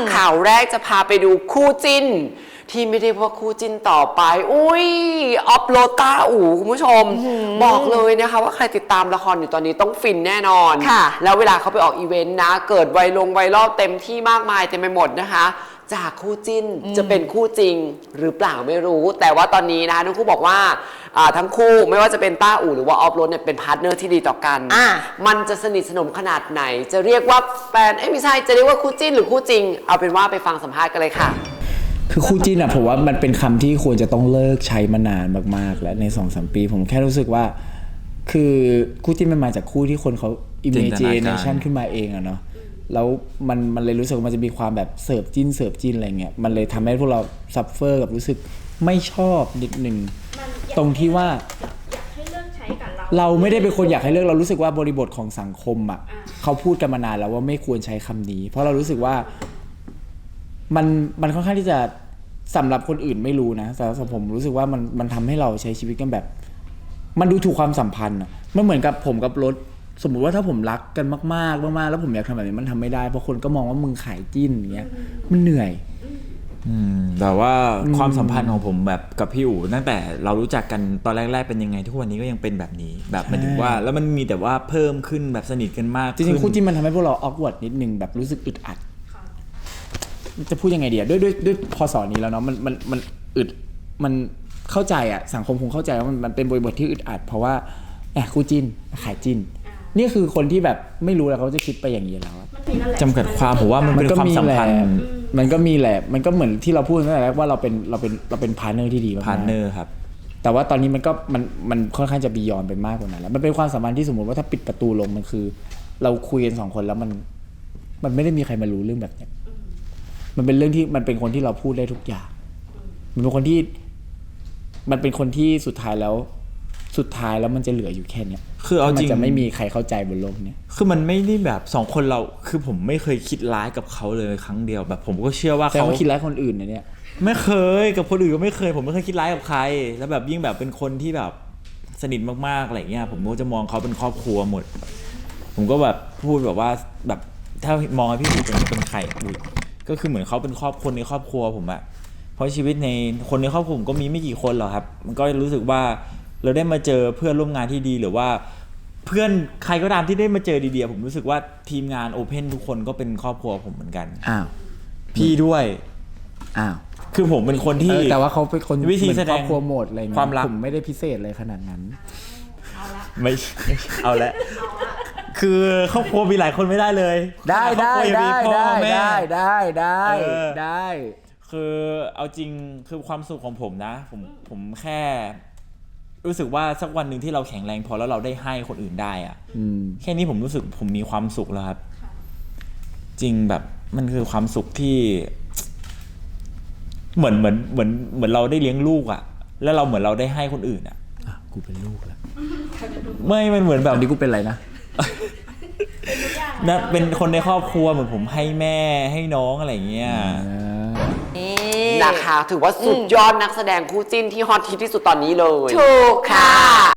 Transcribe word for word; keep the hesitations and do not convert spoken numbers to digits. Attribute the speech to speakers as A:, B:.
A: ข่าวแรกจะพาไปดูคู่จิ้นที่ไม่ได้ว่าคู่จิ้นต่อไปอุ้ยออฟโรต้าอู๋คุณผู้ชมบอกเลยนะคะว่าใครติดตามละครอยู่ตอนนี้ต้องฟินแน่นอนแล้วเวลาเขาไปออกอีเวนต์นะเกิดไวลงไวรัลเต็มที่มากมายเต็มไปหมดนะคะจากคู่จิ้นจะเป็นคู่จริงหรือเปล่าไม่รู้แต่ว่าตอนนี้นะคะทั้งคู่บอกว่าทั้งคู่ไม่ว่าจะเป็นต้าอู่หรือว่าออฟโรดเนี่ยเป็นพาร์ทเนอร์ที่ดีต่อกันมันจะสนิทสนมขนาดไหนจะเรียกว่าแฟนเอ้ยไม่ใช่จะเรียกว่าคู่จิ้นหรือคู่จริงเอาเป็นว่าไปฟังสัมภาษณ์กันเลยค่ะ
B: คือคู่จิ้นอะผมว่ามันเป็นคำที่ควรจะต้องเลิกใช้มานานมากๆแล้วใน สองสาม ปีผมแค่รู้สึกว่าคือคู่จิ้นมันมาจากคู่ที่คนเขา imagination ขึ้นมาเองอะเนาะแล้วมันมันเลยรู้สึกว่ามันจะมีความแบบเสิร์ฟจิ้นเสิร์ฟจิ้นอะไรเงี้ยมันเลยทำให้พวกเราซัฟเฟอร์กับรู้สึกไม่ชอบนิดนึงตรงที่ว่า
C: อยากให้เลิกใช้กับเรา
B: เราไม่ได้เป็นคนอยากให้เลิกเรารู้สึกว่าบริบทของสังคมอ่ะเขาพูดกันมานานแล้วว่าไม่ควรใช้คำนี้เพราะเรารู้สึกว่ามันมันค่อนข้างที่จะสำหรับคนอื่นไม่รู้นะแต่สำหรับผมรู้สึกว่ามันมันทำให้เราใช้ชีวิตกันแบบมันดูถูกความสัมพันธ์อ่ะมันเหมือนกับผมกับรถสมมุติว่าถ้าผมรักกันมากๆมากๆแล้วผมอยากทำแบบนี้มันทำไม่ได้เพราะคนก็มองว่ามึงขายจิ้นอย่างเงี้ยมันเหนื่อย
D: อืมแต่ว่าความสัมพันธ์ของผมแบบกับพี่อู๋ตั้งแต่เรารู้จักกันตอนแรกๆเป็นยังไงทุกวันนี้ก็ยังเป็นแบบนี้แบบหมายถึงว่าแล้วมันมีแต่ว่าเพิ่มขึ้นแบบสนิทกันมาก
B: จริงๆคู่จิ้นมันทำให้พวกเราออกวอร์ดนิดนึงแบบรู้สึกอึดอัดจะพูดยังไงดีอะด้วยด้วยด้วยพอสอนนี้แล้วเนาะมันมันมันอึดมันเข้าใจอะสังคมคงเข้าใจว่ามันมันเป็นบริบทที่อึดอัดเพราะว่าแอบคู่จิ้นขายจิ้นนี่คือคนที่แบบไม่รู้แล้วเขาจะคิดไปอย่างนี้แล้ว
D: จำกัดความผมว่ามันเป็นความสัมพันธ์
B: มันก็มีแหละมันก็เหมือนที่เราพูดตั้งแต่แรกว่าเราเป็นเราเป็นเราเป็นพาร์ทเนอร์ที่ดีมาก
D: พาร์ทเนอร์ครับ
B: แต่ว่าตอนนี้มันก็มันมันค่อนข้างจะบียอนไปมากกว่านั้นแล้วมันเป็นความสัมพันธ์ที่สมมติว่าถ้าปิดประตูลงมันคือ เราคุยกันสองคนแล้วมันมันไม่ได้มีใครมารู้เรื่องแบบนี้มันเป็นเรื่องที่มันเป็นคนที่เราพูดได้ทุกอย่างมันเป็นคนที่มันเป็นคนที่สุดท้ายแล้วสุดท้ายแล้วมันจะเหลืออยู่แค่เนี้ย
D: คือเอาจริง
B: มันจะไม่มีใครเข้าใจบนโลกนี้
D: คือมันไม่ได้แบบสองคนเราคือผมไม่เคยคิดร้ายกับเขาเลยครั้งเดียวแบบผมก็เชื่อว่า
B: เขาคิดร้ายคนอื่นนะเนี่ย
D: ไม่เคยกับคนอื่นก็ไม่เคยผมไม่เคยคิดร้ายกับใครแล้วแบบยิ่งแบบเป็นคนที่แบบสนิทมากๆอะไรเงี้ยผมก็จะมองเขาเป็นครอบครัวหมดผมก็แบบพูดแบบว่าแบบถ้ามองพี่อู๋เป็นเป็นใครก็คือเหมือนเขาเป็นครอบคนในครอบครัวผมอะเพราะชีวิตในคนในครอบครัวผมก็มีไม่กี่คนหรอกครับมันก็รู้สึกว่าเราได้มาเจอเพื่อนร่วมงานที่ดีหรือว่าเพื่อนใครก็ตามที่ได้มาเจอดีๆผมรู้สึกว่าทีมงานโอเพ่นทุกคนก็เป็นครอบครัวผมเหมือนกัน
B: อ้าว
D: พี่ด้วย
B: อ้าว
D: คือผมเป็นคนที่
B: แต่ว่าเขาเป็นคน
D: วิธีแสดง
B: ครอบครัวโหมดอะไร
D: ความรัก
B: ผมไม่ได้พิเศษเลยขนาดนั้น
C: เอาละ
D: ไม่เอาละคือครอบครัวมีหลายคนไม่ได้เลย
B: ได้ได้ได้ได้ได้ได้ได้ได้
D: คือเอาจริงคือความสุขของผมนะผมผมแค่รู้สึกว่าสักวันหนึ่งที่เราแข็งแรงพอแล้วเราได้ให้คนอื่นได้อะแค่นี้ผมรู้สึกผมมีความสุขแล้วครับจริงแบบมันคือความสุขที่เหมือนเหมือนเหมือนเหมือนเราได้เลี้ยงลูกอะแล้วเราเหมือนเราได้ให้คนอื่นอะ
B: อ่ะกูเป็นลูกแล้ว
D: ไม่มันเหมือนแบบ
B: นี้กูเป็นอะไรนะ
D: นะเป็นคนในครอบครัวเหมือนผมให้แม่ให้น้องอะไรอย่างเงี้ย
A: นะคะถือว่าสุดยอดนักแสดงคู่จิ้นที่ฮอตฮิตที่สุดตอนนี้เลย
C: ถูกค่ะ